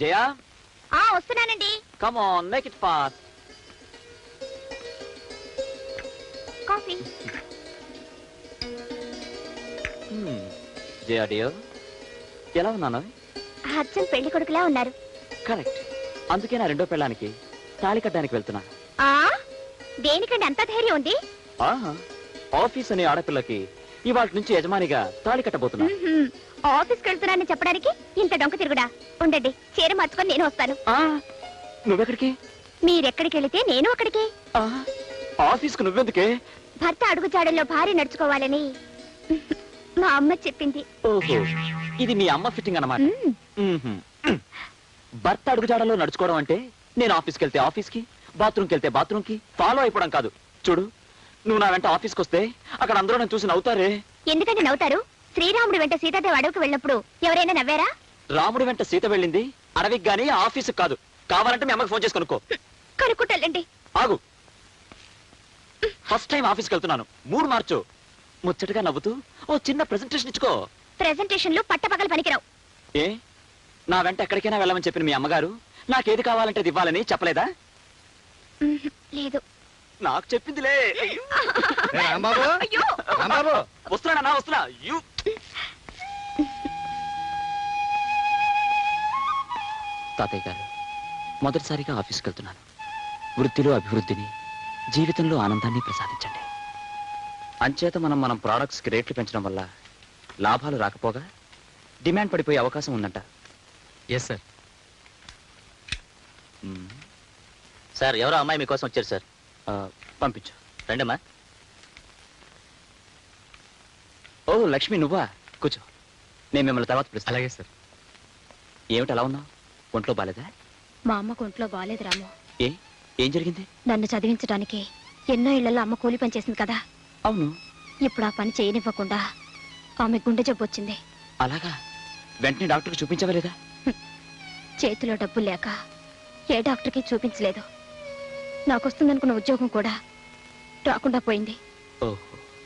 జయా వస్తున్నానండి. Come on make it fast. Coffee. Jaya dear, ఎలా ఉన్నాను? అచ్చం పెళ్లి కొడుకులా ఉన్నారు. కరెక్ట్. అందుకే నా రెండో పెళ్ళానికి తాళి కట్టడానికి వెళ్తున్నా. దేనికండి అంత ధైర్యం ఉంది? ఆఫీస్ అనే ఆడపిల్లకి ఇవాళ నుంచి యజమానిగా తాళి కట్టబోతున్నా. ఆఫీస్కి వెళ్తున్నానని చెప్పడానికి ఇంత డొంక తిరుగుడా? ఉండండి, చీర మార్చుకొని నేను వస్తాను. నువ్వెక్కడికి? మీరెక్కడికి వెళితే నేను అక్కడికి. ఆఫీస్కు నువ్వెందుకే? భర్త అడుగుజాడల్లో భార్య నడుచుకోవాలని మా అమ్మ చెప్పింది. ఓహో, ఇది మీ అమ్మ ఫిట్టింగ్ అన్నమాట. భర్త అడుగుజాడల్లో నడుచుకోవడం అంటే నేను ఆఫీస్కి వెళ్తే ఆఫీస్కి, బాత్రూమ్కి వెళ్తే బాత్రూమ్కి ఫాలో అయిపోవడం కాదు. చూడు, నువ్వు నా వెంట ఆఫీస్కి వస్తే అక్కడ అందరూ నన్ను చూసి నవ్వుతారే. ఎందుకంటే నవ్వుతారు? శ్రీరాముడు వెంట సీతాదేవి అడవికి వెళ్ళినప్పుడు ఎవరైనా నవ్వారా? రాముడు వెంట సీత వెళ్ళింది అడవికి గానీ ఆఫీస్కి కాదు. కావాలంటే మీ అమ్మకి ఫోన్ చేసి కనుక్కో. కనుక్కుంటాలండి. ఆగు. ఫస్ట్ టైం ఆఫీస్కి వెళ్తున్నాను, మూడు మార్చు. ముచ్చటగా నవ్వుతూ ఓ చిన్న ప్రెజెంటేషన్ ఇచ్చుకో. ప్రెజెంటేషన్లు పట్టపగలు పనికిరావు. ఏ, నా వెంట ఎక్కడికైనా వెళ్ళమని చెప్పిన మీ అమ్మగారు నాకేది కావాలంటే ఇవ్వాలని చెప్పలేదా? లేదు. నాకు చెప్పిందిలే. అయ్యో, వస్తున్నా వస్తున్నా. తాతయ్య గారు, మొదటిసారిగా ఆఫీస్కి వెళ్తున్నాను. వృత్తిలో అభివృద్ధిని, జీవితంలో ఆనందాన్ని ప్రసాదించండి. అంచేత మనం ప్రోడక్ట్స్కి రేట్లు పెంచడం వల్ల లాభాలు రాకపోగా డిమాండ్ పడిపోయే అవకాశం ఉందంట. Yes sir. సార్, ఎవరో అమ్మాయి మీకోసం వచ్చారు సార్. పంపించు. రండమ్మా. ఓ లక్ష్మి, నువ్వా? కూర్చో, నేను మిమ్మల్ని తర్వాత పిలుస్తాను. అలాగే సార్. ఏమిటి అలా ఉన్నావు? ఒంట్లో బాలేదా? మా అమ్మకు ఒంట్లో బాలేదు రాము. ఏం జరిగింది? నన్ను చదివించడానికి ఎన్నో ఇళ్లలో అమ్మ కూలి పని చేసింది కదా. అవును. ఇప్పుడు ఆ పని చేయనివ్వకుండా ఆమె గుండె జబ్బు వచ్చింది. అలాగా? వెంటనే డాక్టర్కి చూపించవలేదా? చేతిలో డబ్బులు లేక ఏ డాక్టర్కి చూపించలేదు. నాకొస్తుందనుకున్న ఉద్యోగం కూడా రాకుండా పోయింది. ఓహో.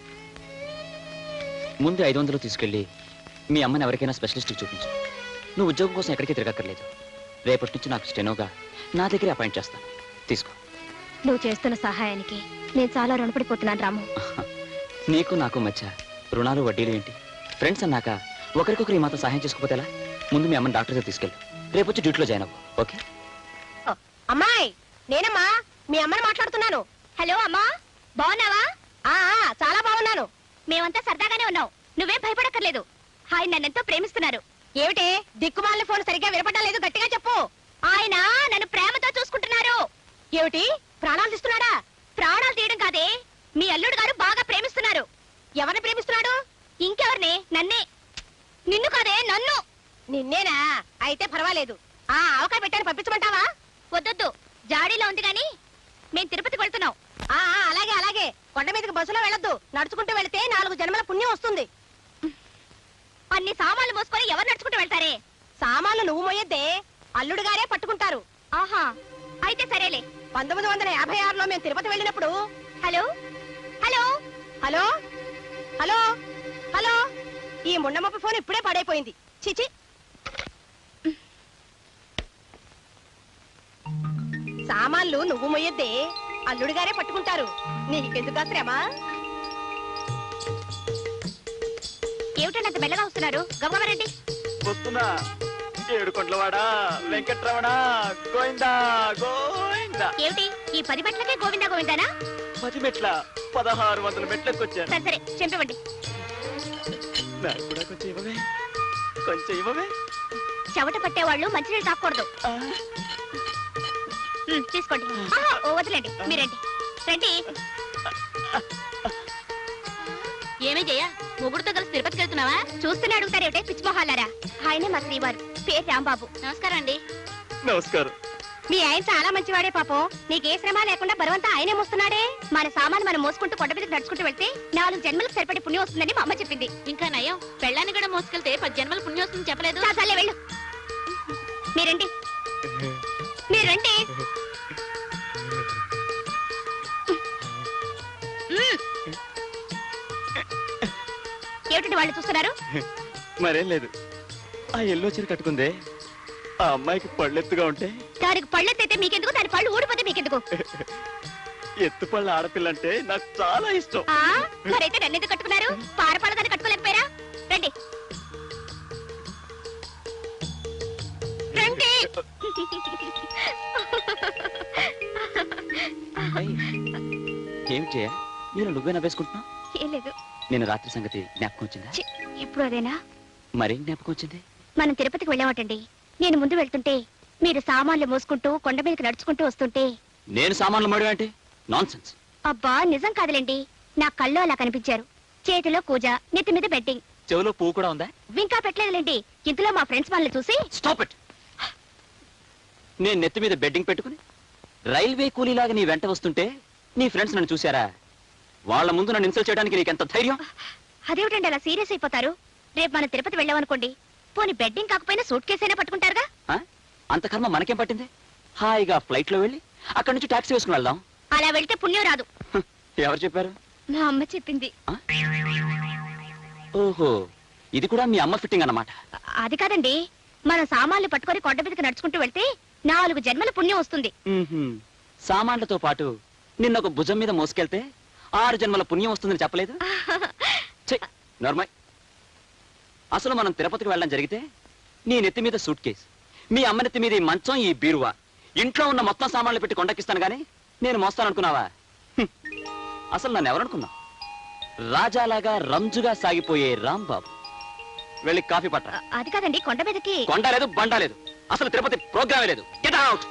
ముందు 500 తీసుకెళ్ళి మీ అమ్మని ఎవరికైనా స్పెషలిస్ట్కి చూపించు. నువ్వు ఉద్యోగం కోసం ఎక్కడికి తిరగక్కర్లేదు. రేపటి నుంచి నాకు స్టెనోగా నా దగ్గరే అపాయింట్ చేస్తాను. తీసుకో. నువ్వు చేస్తున్న సహాయానికి నేను చాలా రుణపడిపోతున్నాను రాము. నీకు నాకు మధ్య రుణాలు వడ్డీలు ఏంటి? ఫ్రెండ్స్ అన్నాక ఒకరికొకరు ఈ మాత్రం సహాయం చేసుకోకపోతే ఎలా? ముందు మీ అమ్మని డాక్టర్ దగ్గర తీసుకెళ్ళు. రేపు వచ్చి డ్యూటీలో జాయిన్ అవ్వు. ఓకే? అమ్మాయి, నేనమ్మా మీ అమ్మని మాట్లాడుతున్నాను. హలో అమ్మా, బాగున్నావా? చాలా బాగున్నాను. మేమంతా సరదాగానే ఉన్నాం. నువ్వేం భయపడక్కర్లేదు. ఆయన నన్నెంతో ప్రేమిస్తున్నారు. ఏమిటి దిక్కుమాలిన ఫోన్ సరిగ్గా వినపడడం లేదు? గట్టిగా చెప్పు. ఆయన నన్ను ప్రేమతో చూసుకుంటున్నారు. ఏమిటి, ప్రాణాలు తీస్తున్నాడా? ప్రాణాలు తీయడం కాదే, మీ అల్లుడు గారు బాగా ప్రేమిస్తున్నారు. ఎవరిని ప్రేమిస్తున్నాడు? ఇంకెవరిని? నన్నే. నిన్ను కాదే, నన్ను. నిన్నేనా? అయితే పర్వాలేదు. అవకాశం పెట్టాను, పంపించమంటావా? వద్దొద్దు, జాడీలో ఉంది గాని మేం తిరుపతికి వెళ్తున్నాం. అలాగే అలాగే. కొండ మీదకి బస్సులో వెళ్ళొద్దు, నడుచుకుంటూ వెళితే 4 జన్మల పుణ్యం వస్తుంది. అన్ని సామాన్లు మోసుకొని ఎవరు నడుచుకుంటూ వెళ్తారే? సామాన్లు నువ్వు మోయొద్దే, అల్లుడు గారే పట్టుకుంటారు. ఆహా, అయితే సరేలే. 1956లో మేము తిరుపతి వెళ్ళినప్పుడు. Hello hello hello hello hello, ఈ ముండమప్ప ఫోన్ ఇప్పుడే పడైపోయింది. చిచి. సామాన్లు నువ్వు మొయ్యొద్దే, అల్లుడు గారే పట్టుకుంటారు. నీకెందుకు శ్రమ? ఏమిటంత మెల్లగా వస్తున్నారు? గమనండి. వస్తున్నా. ఏడుకొండలవాడా, వెంకట్రమణ, గోవిందా గోవిందా. ఏమిటి ఈ 10 మెట్లకే గోవిందా గోవిందానా? 10 మెట్ల 1600 మెట్లకు వచ్చాను. సరే చెంపివ్వండి. నాకు కూడా కొంచెం ఇవ్వవే, కొంచెం ఇవ్వవే. చెమట పట్టేవాళ్ళు మంచినీళ్ళు తాకూడదు. తీసుకోండి. వదిలేండి, మీరండి. రండి. ఏమే జయ, ముగ్గురుతో కలిసి తిరుపతికి వెళ్తున్నావా? చూస్తూనే అడుగుతారేమిటే పిచ్చిమొహాలారా. ఆయనే మా శ్రీవారు, పేరు రాంబాబు. నమస్కారం అండి. నమస్కారం. మీ ఆయన చాలా మంచివాడే పాపం. నీకే శ్రమ లేకుండా బరువంతా ఆయనే మోస్తున్నాడే. మన సామాను మనం మోసుకుంటూ కొండ మీదకి నడుచుకుంటూ వెళ్తే 4 జన్మలకు సరిపడే పుణ్యం వస్తుందని మా అమ్మ చెప్పింది. ఇంకా నయం, పెళ్ళాన్ని కూడా మోసుకెళ్తే 10 జన్మల పుణ్యం వస్తుందని చెప్పలేదు. చాలే వెళ్ళు. మీరండి, మీరండి. ఏమిటండి వాళ్ళు చూస్తున్నారు? మరేం లేదు. ఆ ఎల్లో చీర కట్టుకుందే ఆ అమ్మాయికి పళ్ళెత్తుగా ఉంటే దానికి పళ్ళెత్తైతే మీకెందుకు, దాని పళ్ళు ఊడిపోతే మీకెందుకు? ఎత్తు పళ్ళ ఆడపిల్ల అంటే నాకు చాలా ఇష్టం. మరైతే నన్ను ఎందుకు కట్టుకున్నారు? పారపాల దాన్ని కట్టుకోలేకపోయారా? రండి రండి. ఏమి చేయ నేను నువ్వే నవ్వేసుకుంటున్నా? ఏం లేదు. నేను రాత్రి సంగతి జ్ఞాపకం వచ్చిందా? ఇప్పుడు అదేనా? మరేం జ్ఞాపకం వచ్చింది? మనం తిరుపతికి వెళ్ళామటండి. నేను ముందు వెళ్తుంటే మీరు సామాన్లు మోసుకుంటూ కొండ మీదకి నడుచుకుంటూ వస్తుంటే. నేను సామాన్లు మడి అంటే నాన్ సెన్స్. అబ్బా నిజం కాదులేండి, నా కళ్ళు అలా కనిపించారు. చేతిలో కూజ, నెత్తి మీద బెట్టింగ్. చెవిలో పువ్వు కూడా ఉందా? ఇంకా పెట్టలేదులేండి. ఇంతలో మా ఫ్రెండ్స్ వాళ్ళని చూసి స్టాప్ ఇట్. నేను నెత్తి మీద బెడ్డింగ్ పెట్టుకుని రైల్వే కూలీలాగా నీ వెంట వస్తుంటే నీ ఫ్రెండ్స్ నన్ను చూశారా? వాళ్ళ ముందు నన్ను ఇన్సల్ట్ చేయడానికి నీకెంత ధైర్యం? అదేమిటండి అలా సీరియస్ అయిపోతారు? రేపు మనం తిరుపతి వెళ్ళామనుకోండి, పోనీ బెడ్డింగ్ కాకపోయినా సూట్ కేసు అయినా పట్టుకుంటారుగా. అంత కర్మ మనకేం పట్టింది? హాయిగా ఫ్లైట్ లో వెళ్ళి అక్కడి నుంచి టాక్సీ వేసుకుని వెళ్దాం. అలా వెళ్తే పుణ్యం రాదు. ఎవరు చెప్పారు? మా అమ్మ చెప్పింది. ఓహో, ఇది కూడా మీ అమ్మ ఫిట్టింగ్ అన్నమాట. అది కాదండి, మనం సామాన్లు పట్టుకొని కొండ మీదకి నడుచుకుంటూ వెళ్తే 4 జన్మల పుణ్యం వస్తుంది. సామాన్లతో పాటు నిన్నొక భుజం మీద మోసుకెళ్తే 6 జన్మల పుణ్యం వస్తుందని చెప్పలేదు? నార్మల్. అసలు మనం తిరుపతికి వెళ్ళడం జరిగితే నీ నెత్తి మీద సూట్ కేస్, మీ అమ్మ నెత్తి మీద ఈ మంచం, ఈ బీరువా, ఇంట్లో ఉన్న మొత్తం సామాన్లు పెట్టి కొండకిస్తాను గానీ నేను మోస్తాననుకున్నావా? అసలు నన్ను ఎవరనుకున్నావు? రాజాలాగా రంజుగా సాగిపోయే రాంబాబు. వెళ్ళి కాఫీ పట్ట. అది కాదండి, కొండ మీదకి కొండ లేదు, బండ లేదు, అసలు తిరుపతి ప్రోగ్రామే లేదు. Get out.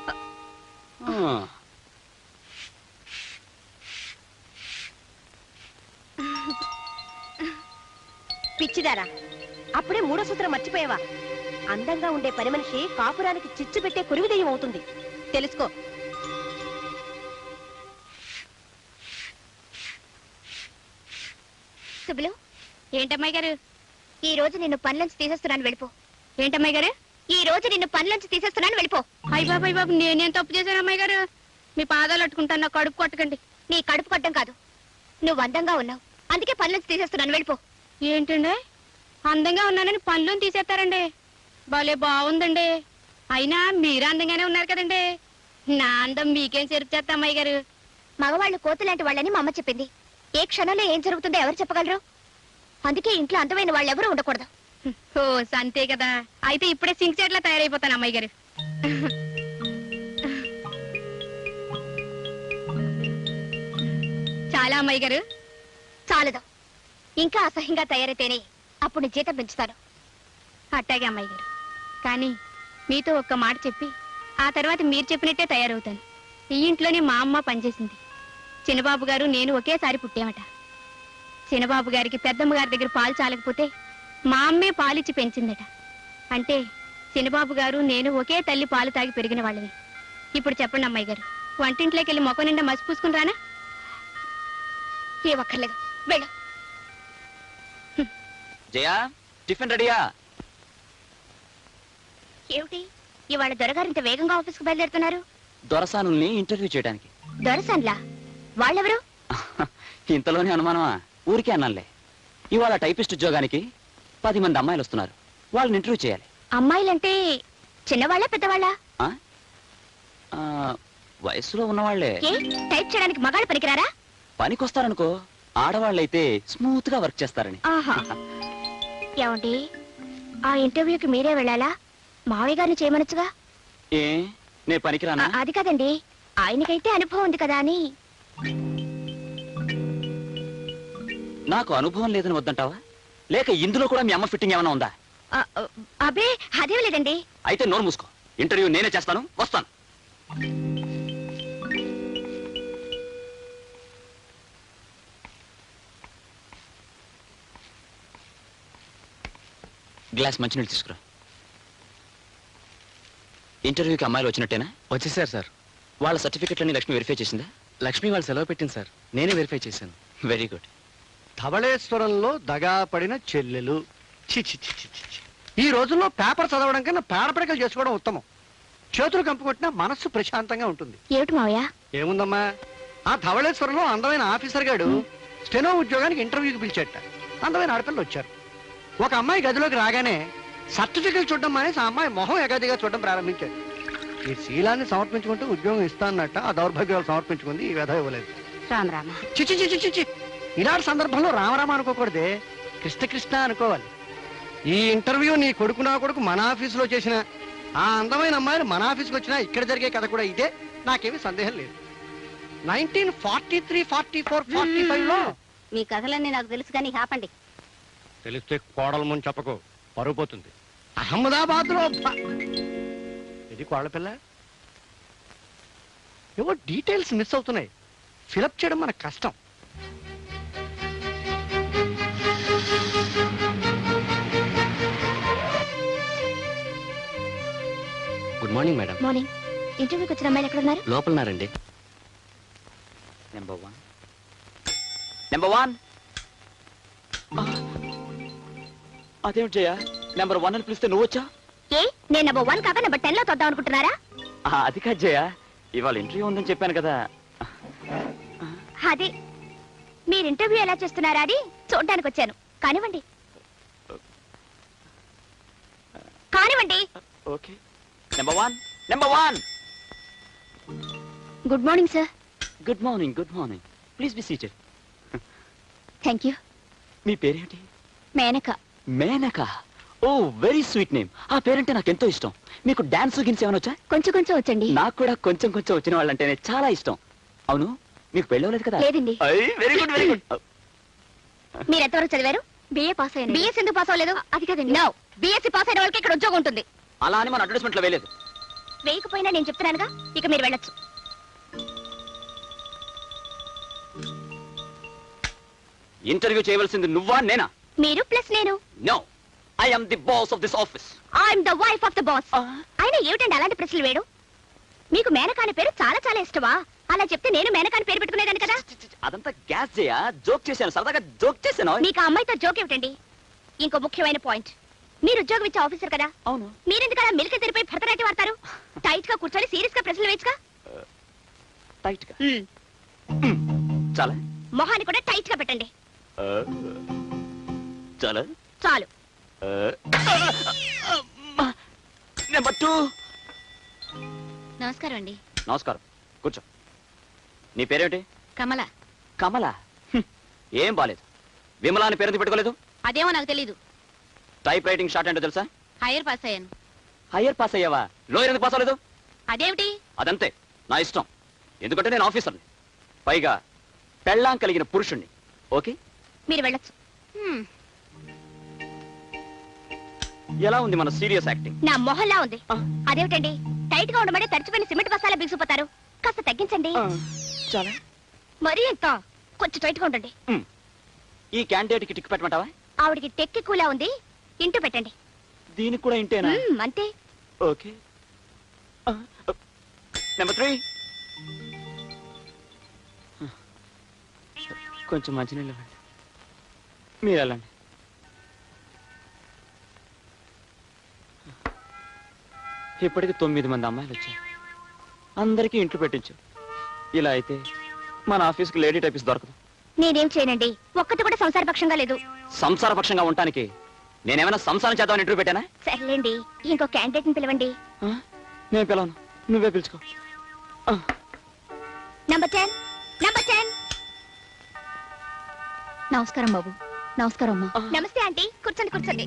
పిచ్చిదారా, అప్పుడే 3వ సూత్రం మర్చిపోయావా? అందంగా ఉండే పని మనిషి కాపురానికి చిచ్చు పెట్టే కురివిదయం అవుతుంది, తెలుసుకో. సుబ్బులు, ఏంటమ్మాయి గారు ఈ రోజు నిన్ను పనిలోంచి తీసేస్తున్నాను, వెళ్ళిపో. ఏంటమ్మాయి గారు ఈ రోజు నిన్ను పనిలోంచి తీసేస్తున్నాను, వెళ్ళిపో. అయ్య బాబు, అయ్య బాబు, నేనేం తప్పు చేశాను అమ్మాయి గారు? మీ పాదాలు అట్టుకుంటాను, నా కడుపు కొట్టకండి. నీ కడుపు కొట్టడం కాదు, నువ్వు అందంగా ఉన్నావు, అందుకే పనిలోంచి తీసేస్తున్నాను, వెళ్ళిపో. ఏంటండి, అందంగా ఉన్నానని పనిలోని తీసేస్తారండి? భలే బాగుందండి. అయినా మీరు అందంగానే ఉన్నారు కదండి. నా అందం మీకేం చెరుపు చేస్తా అమ్మాయి గారు? మగవాళ్ళు కోతులాంటి వాళ్ళని మా అమ్మ చెప్పింది. ఏ క్షణంలో ఏం జరుగుతుందో ఎవరు చెప్పగలరు? అందుకే ఇంట్లో అందమైన వాళ్ళు ఎవరు ఉండకూడదు. ఓ అంతే కదా, అయితే ఇప్పుడే సింక్ చెట్లా తయారైపోతాను అమ్మాయి గారు. చాలా అమ్మాయి గారు, చాలదు. ఇంకా అసహ్యంగా తయారైతేనే అప్పుడు నీ జీతం పెంచుతాను. అట్టాగే అమ్మాయి గారు, కానీ మీతో ఒక్క మాట చెప్పి ఆ తర్వాత మీరు చెప్పినట్టే తయారవుతాను. ఈ ఇంట్లోనే మా అమ్మ పనిచేసింది. చిన్నబాబు గారు నేను ఒకేసారి పుట్టామట. చిన్నబాబు గారికి పెద్దమ్మ గారి దగ్గర పాలు చాలకపోతే మా అమ్మే పాలిచ్చి పెంచిందట. అంటే చిన్నబాబు గారు నేను ఒకే తల్లి పాలు తాగి పెరిగిన వాళ్ళని. ఇప్పుడు చెప్పండి అమ్మాయి గారు, వంటింట్లోకి వెళ్ళి మొక్క నిండా మసి పూసుకుని రానా? ఏ ఒక్కర్లేదు, వెళ్ళు. జయా, టిఫిన్ రెడీయా? ఏమిటి ఇవాళ దొరగారు ఇంత వేగంగా ఆఫీస్కి బయలుదేరుతున్నారు? దొరసానుల్ని ఇంటర్వ్యూ చేయడానికి. దొరసాన్లా? వాళ్ళెవరు? ఇంతలోనే అనుమానమా? ఊరికే అన్నానులే. ఇవాళ టైపిస్ట్ ఉద్యోగానికి 10 మంది అమ్మాయిలు వస్తున్నారు, వాళ్ళని ఇంటర్వ్యూ చేయాలి. అమ్మాయిలంటే చిన్నవాళ్ళ పెద్దవాళ్ళ? వయసులో ఉన్నవాళ్లే. టైప్ చేయడానికి మగాళ్ళు పనికిరారా? పనికొస్తారనుకో, ఆడవాళ్ళైతే స్మూత్ గా వర్క్ చేస్తారని. ఏమండి, ఆ ఇంటర్వ్యూకి మీరే వెళ్ళాలా? మావయ్య గారిని చేయమనొచ్చుగా. ఏ నే పనికిరానా? అది కాదండి, ఆయనకైతే అనుభవం ఉంది కదా అని. నాకు అనుభవం లేదని వద్దంటావా? లేక ఇందులో కూడా మీ అమ్మ ఫిట్టింగ్ ఏమైనా ఉందా? అబే అదేం లేదండి. అయితే నోరు మూసుకో, ఇంటర్వ్యూ నేనే చేస్తాను, వస్తాను. గ్లాస్ మంచినీళ్ళు తీసుకురా. ఇంటర్వ్యూకి అమ్మాయిలు వచ్చినట్టేనా? వచ్చేసారు సార్. వాళ్ళ సర్టిఫికెట్లన్నీ లక్ష్మి వెరిఫై చేసిందా? లక్ష్మి వాళ్ళు సెలవు పెట్టింది సార్, నేనే వెరిఫై చేశాను. Very good. ధవళేశ్వరంలో దగా పడిన చెల్లెలు. చి చి చి చి చి. ఈ రోజుల్లో పేపర్ చదవడం కన్నా పేడపడకలు చేసుకోవడం ఉత్తమం. చేతులు కంపుకొట్టినా మనస్సు ప్రశాంతంగా ఉంటుంది. ఏమిటి మావయ్య? ఏముందమ్మా, ఆ ధవళేశ్వరంలో అందమైన ఆఫీసర్ గాడు స్టెనో ఉద్యోగానికి ఇంటర్వ్యూకి పిలిచేట. అందమైన ఆడపిల్లలు వచ్చారు. ఒక అమ్మాయి గదిలోకి రాగానే సర్టిఫికెట్ చూడడం మానేసి ఆ అమ్మాయి మొహం ఎగదిగా చూడడం ప్రారంభించాడు. ఈ శీలాన్ని సమర్పించుకుంటే ఉద్యోగం ఇస్తానన్నట్ట ఆ దౌర్భాగ్యాలు సమర్పించుకుంది, ఈ వ్యధ ఇవ్వలేదు. రామ రామ. చిచి చిచి చిచి ఇలాంటి సందర్భంలో రామరామ అనుకోకూడదే, కృష్ణ కృష్ణ అనుకోవాలి. ఈ ఇంటర్వ్యూ నీ కొడుకు నా కొడుకు మన ఆఫీసులో చేసిన ఆ అందమైన అమ్మాయిలు మన ఆఫీస్కి వచ్చినా ఇక్కడ జరిగే కథ కూడా ఇదే, నాకేమీ సందేహం లేదు. 1943, 44, 45 లో మీ కథలన్నీ నాకు తెలుసు కానీ ఆపండి. తెలిస్తే కోడల ముందు చెప్పకు, పరుగు పోతుంది. అహ్మదాబాద్ లో ఇది కోడల పిల్ల. ఏవో డీటెయిల్స్ మిస్ అవుతున్నాయి, ఫిలప్ చేయడం మనకు కష్టం. Good morning madam. మార్నింగ్. ఇంటర్వ్యూకి వచ్చిన అమ్మాయిలు ఎక్కడ ఉన్నారు? లోపలన్నారండి. Number 1 number 1. అదేమిటి జయ, నెంబర్ 1 అని పిలిస్తే నువ్వు వచ్చా? ఏ నేను నెంబర్ 1 కాక నెంబర్ 10 లో తొద్దాం అనుకుంటున్నారా? అది కాదు జయ, ఇవాళ ఇంటర్వ్యూ ఉందని చెప్పాను కదా. అదే మీరు ఇంటర్వ్యూ ఎలా చేస్తున్నారా అని చూడడానికి వచ్చాను. కానివ్వండి కానివ్వండి. ఓకే. Number 1 number 1. Good morning sir. Good morning, good morning. Please be seated. Thank you. మీ పేరేంటి? Menaka. Menaka. Oh very sweet name. ఆ పేరంటే నాకు ఎంతో ఇష్టం. మీకు డాన్స్ గిన్స్ ఏమైనా వచ్చా? కొంచెం కొంచెం వచ్చండి. నాకు కూడా కొంచెం కొంచెం వచ్చిన వాళ్ళంటేనే చాలా ఇష్టం. అవును, మీకు పెళ్ళవలేదు కదా? లేదండి. Very good, very good. మీరు ఎంతవరకు చదివారు? బిఏ పాస్ అయ్యాను. బిఎస్ ఎందుకు పాస్ అవ్వలేదు? అది కదండి. నో, బిఎస్సీ పాస్ అయిన వాళ్ళకి ఇక్కడ ఉద్యోగం ఉంటుంది. అలా అని మన అడ్వర్టైజ్మెంట్ లో వేయలేదు. వేయకపోయినా నేను చెప్తున్నానుగా, ఇక మీరు వెళ్ళొచ్చు. ఇంటర్వ్యూ చేయవలసింది నువ్వా నేనా? మీరు ప్లస్ నేను. No, I am the boss of this office. I'm the wife of the boss. అయినా ఏమిటండి అలాంటి ప్రశ్నలు వేయడం? మీకు మేనకాని పేరు చాలా చాలా ఇష్టమా? అలా చెప్తే నేను మేనకాని పేరు పెట్టుకునేదాన్ని కదా. అదంతా గ్యాస్ చేయా, జోక్ చేశాను, సరదాగా జోక్ చేశాను. మీకు ఆ అమ్మాయితో జోక్ ఏమిటండి? ఇంకో ముఖ్యమైన పాయింట్, మీరు ఉద్యోగం ఇచ్చే ఆఫీసర్ కదా. అవును. మీరెందుకు అలా మిల్క్ తెరిపోయి భరతనాట్యం వాడతారు? టైట్ గా కూర్చొని సీరియస్ గా ప్రశ్నలు వేయచ్చుగా. టైట్ గా చాలా, మొహాన్ని కూడా టైట్ గా పెట్టండి. చాలా చాలు. నెంబర్ 2. నమస్కారం అండి. నమస్కారం, కూర్చో. నీ పేరేమిటి? కమల. కమల. ఏం బాలేదు. విమలా అని పేరు పెట్టుకోలేదు? అదేమో నాకు తెలీదు. టైప్ రైటింగ్ షార్ట్ అంటే తెలుసా? హైయర్ పాస్ అయ్యాను. హయ్యర్ పాస్ అయ్యావా? లోయర్ ఎందుకు పాస్ అవ్వలేదు? అదేమిటి? అదంతే, నా ఇష్టం. ఎందుకంటే నేను ఆఫీసర్ని, పైగా పెళ్ళాం కలిగిన పురుషుణ్ణి. ఓకే, మీరు వెళ్ళొచ్చు. ఎలా ఉంది మన సీరియస్ యాక్టింగ్? నా మొహల్లా ఉంది. అదేమిటండి, టైట్ గా ఉండమని తడిచిపోయిన సిమెంట్ బస్తాలా బిగిసిపోతారు. కాస్త తగ్గించండి. చాలా. మరీ ఎంత? కొంచెం టైట్ గా ఉండండి. ఈ క్యాండిడేట్ కి టిక్ పెట్టమంటావా? ఆవిడికి టెక్కి కూలా ఉంది, ఇంటూ పెట్టండి. దీనికి కూడా ఇంటేనా? అంతే. ఓకే. నెంబర్ 3. కొంచెం మంచినీళ్ళు ఇవ్వండి. మీరు వెళ్ళండి. ఇప్పటికి 9 మంది అమ్మాయిలు వచ్చారు. అందరికీ ఇంట్లో పెట్టించు. ఇలా అయితే మన ఆఫీస్కి లేడీ టైపిస్ట్ దొరకదు. నేనేం చేయనండి, ఒక్కటి కూడా సంసారపక్షంగా లేదు. సంసారపక్షంగా ఉండటానికి నేనేమైనా సంసారం చేద్దామని ఇంటర్వ్యూ పెట్టానా? సర్లేండి, ఇంకో క్యాండిడేట్ ని పిలవండి. నేను పిలవను, నువ్వే పిలుచుకో. నంబర్ 10. నంబర్ 10. నమస్కారం బాబు. నమస్కారం అమ్మా. నమస్తే ఆంటీ, కూర్చోండి కూర్చోండి.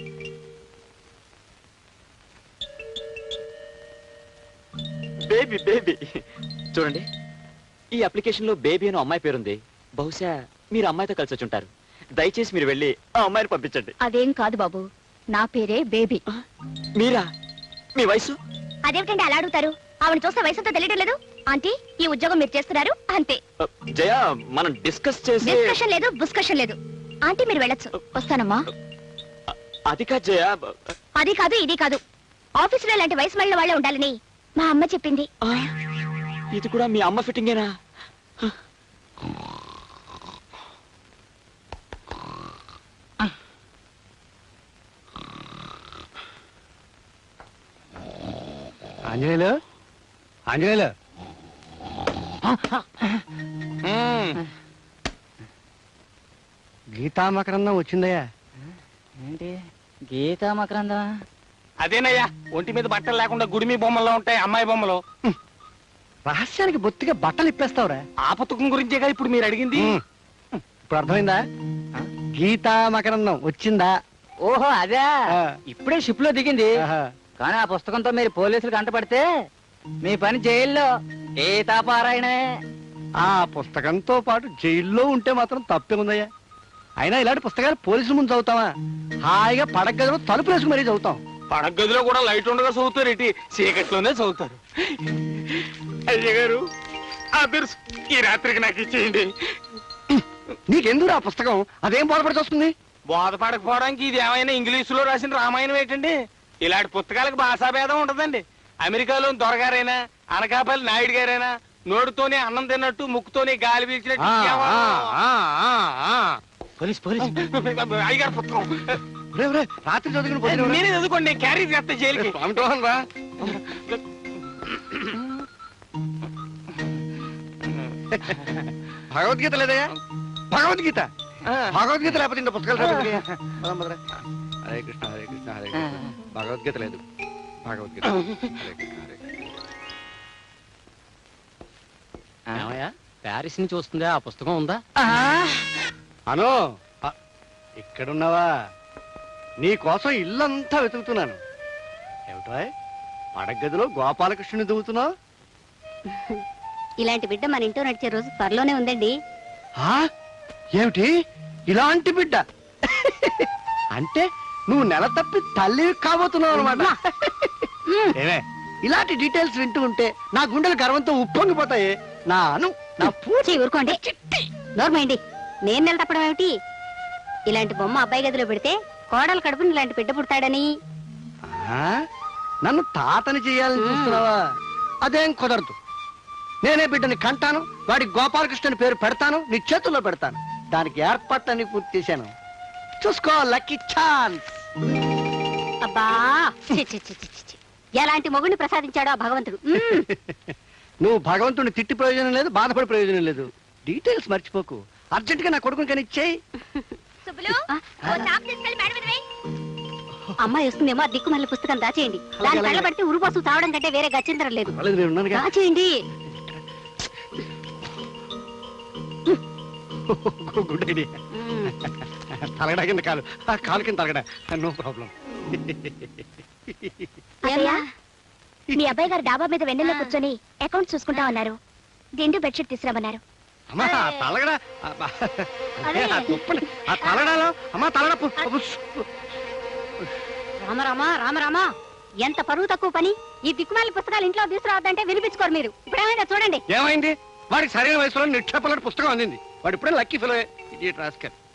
Baby baby. చూడండి, ఈ అప్లికేషన్ లో బేబీ అని అమ్మాయి పేరుంది. బహుశా మీరు అమ్మాయితో కలిసి వచ్చి ఉంటారు. దయచేసి మీరు వెళ్ళి ఆ అమ్మాయిని పంపించండి. అదేం కాదు బాబు, నా పేరే బేబీ. మీరా? మీ వయసు? అదేమిటండి అలా అడుగుతారు? ఆవిడ చూస్తే వయసుతో తెలియడం లేదు. ఆంటీ, ఈ ఉద్యోగం మీరు చేస్తున్నారు అంతే. జయ, మనం డిస్కస్ చేసి. డిస్కషన్ లేదు, బుస్కషన్ లేదు. ఆంటీ మీరు వెళ్ళొచ్చు. వస్తానమ్మా. అది కాదు జయ. అది కాదు, ఇది కాదు. ఆఫీసులో ఇలాంటి వయసు మళ్ళీ వాళ్ళే ఉండాలని మా అమ్మ చెప్పింది. ఇది కూడా మీ అమ్మ ఫిట్టింగేనా? ఆంజనేయులు, ఆంజనేయులు, గీతామకరందం వచ్చిందయ్యా. ఏంటి? గీతా మకరందా అదేనయ్యా, ఒంటి మీద బట్టలు లేకుండా గుడిమి బొమ్మల్లో ఉంటాయి అమ్మాయి బొమ్మలు. రహస్యానికి బొత్తిగా బట్టలు ఇప్పేస్తావురా. ఆ పుస్తకం గురించేగా ఇప్పుడు మీరు అడిగింది. ఇప్పుడు అర్థమైందా? గీతా మకరందం వచ్చిందా? ఓహో అదే, ఆ. ఇప్పుడే షిప్ లో దిగింది. ఆహా. కానీ ఆ పుస్తకంతో మీరు పోలీసులు కంటపడితే మీ పని జైల్లో గీతాపారాయణే. ఆ పుస్తకంతో పాటు జైల్లో ఉంటే మాత్రం తప్పే ఉందయ్యా. అయినా ఇలాంటి పుస్తకాలు పోలీసుల ముందు చదువుతావా? హాయిగా పడక గదిలో తలుపు వేసుకు మరీ చదువుతాం. పడక గదిలో కూడా లైట్ ఉండగా చదువుతారు, ఇటు చీకట్లోనే చదువుతారు. అయ్య గారు, ఆ బిర్స్ ఈ రాత్రికి నాకు ఇచ్చేయండి. నీకెందుకు ఆ పుస్తకం? అదేం బోధపడి వస్తుంది? బోధపడకపోవడానికి ఇది ఏమైనా ఇంగ్లీషులో రాసిన రామాయణం ఏంటండి? ఇలాంటి పుస్తకాలకు భాషాభేదం ఉంటదండి. అమెరికాలో దొరగారైనా, అనకాపల్లి నాయుడు గారైనా నోటితోనే అన్నం తిన్నట్టు, ముక్కుతోనే గాలి పీల్చినట్టు పోలీస్ పోలీస్ అయ్యగారు పుస్తకం రాత్రి చదువుకుని నేనే చదువుకోండి, క్యారీ చేస్తా జైలుకి. భగవద్గీత లేదయ్యా? భగవద్గీత భగవద్గీత లేకపోతే ఇంత పుస్తకాలు రాబోతున్నాయా? పదం పదరా. హరే కృష్ణ హరే కృష్ణ హరే కృష్ణ. భగవద్గీత లేదు. భగవద్గీత హరే కృష్ణ హరే కృష్ణ. ప్యారిస్ నుంచి వస్తుందా? ఆ పుస్తకం ఉందా? అను ఇక్కడున్నావా? నీ కోసం ఇల్లంతా వెతుకుతున్నాను. ఏమిటో పడగదిలో గోపాలకృష్ణుని దువ్వుతున్నావు? ఇలాంటి బిడ్డ మన ఇంట్లో నడిచే రోజు త్వరలోనే ఉందండి. ఏమిటి ఇలాంటి బిడ్డ? అంటే నువ్వు నెల తప్పి తల్లి కాబోతున్నావు అనమాట. ఏమే ఇలాంటి డీటెయిల్స్ వింటూ ఉంటే నా గుండెలు గర్వంతో ఉప్పొంగిపోతాయి. నా అను నా పూచి ఊరుకోండి, నోర్మైండి. నేను నెల తప్పడం ఏమిటి? ఇలాంటి బొమ్మ అబ్బాయి గదిలో పెడితే కోడలు కడుపుని ఇలాంటి బిడ్డ పుడతాడని. నన్ను తాతని చేయాలని చూస్తున్నావా? అదేం కుదరదు. నేనే బిడ్డని కంటాను, వాడికి గోపాలకృష్ణ పేరు పెడతాను, నీ చేతుల్లో పెడతాను. దానికి ఏర్పాట్లన్నీ పూర్తి చేశాను. చూసుకో, లక్కీ ఛాన్స్. అబ్బా చి, చి, చి, చి, చి. ఎలాంటి మొగుడిని ప్రసాదించాడో ఆ భగవంతుడు. నువ్వు భగవంతుడిని తిట్టి ప్రయోజనం లేదు, బాధపడి ప్రయోజనం లేదు. డీటెయిల్స్ మర్చిపోకు. అర్జెంట్ గా నా కొడుకుని కానీ ఇచ్చేయి. అమ్మాయి వస్తుందేమో, ఆ దిక్కుమల్లి పుస్తకం దాచేయండి. దాని కళ్ళ పడితే ఉరుపోసు తావడం కంటే వేరే గచ్చిందరం లేదు. దాచేయండి. Good idea. తలగడా కింద కాలు, ఆ కాలు కింద తలగడా, నో ప్రాబ్లం. మీ అబ్బాయి గారు డాబా మీద వెన్నెల్లో కూర్చొని అకౌంట్ చూసుకుంటా ఉన్నారు. దిండు బెడ్షీట్ తీసుకురామన్నారు. అమ్మా తలగడా, ఆ తలగడాలో అమ్మా తలగడ. రామరామా రామరామా, ఎంత పరువు తక్కువ పని. ఈ దిక్కుమాలి పుస్తకాలు ఇంట్లో తీసుకురావద్దంటే వినిపించుకోరు మీరు. ఇప్పుడేమైనా చూడండి. ఏమైంది? వాడికి సరైన వయసులో నిక్షేపలాంటి పుస్తకం అందింది. వాడు ఇప్పుడే లక్కీ ఫెలో. Idiot rascal.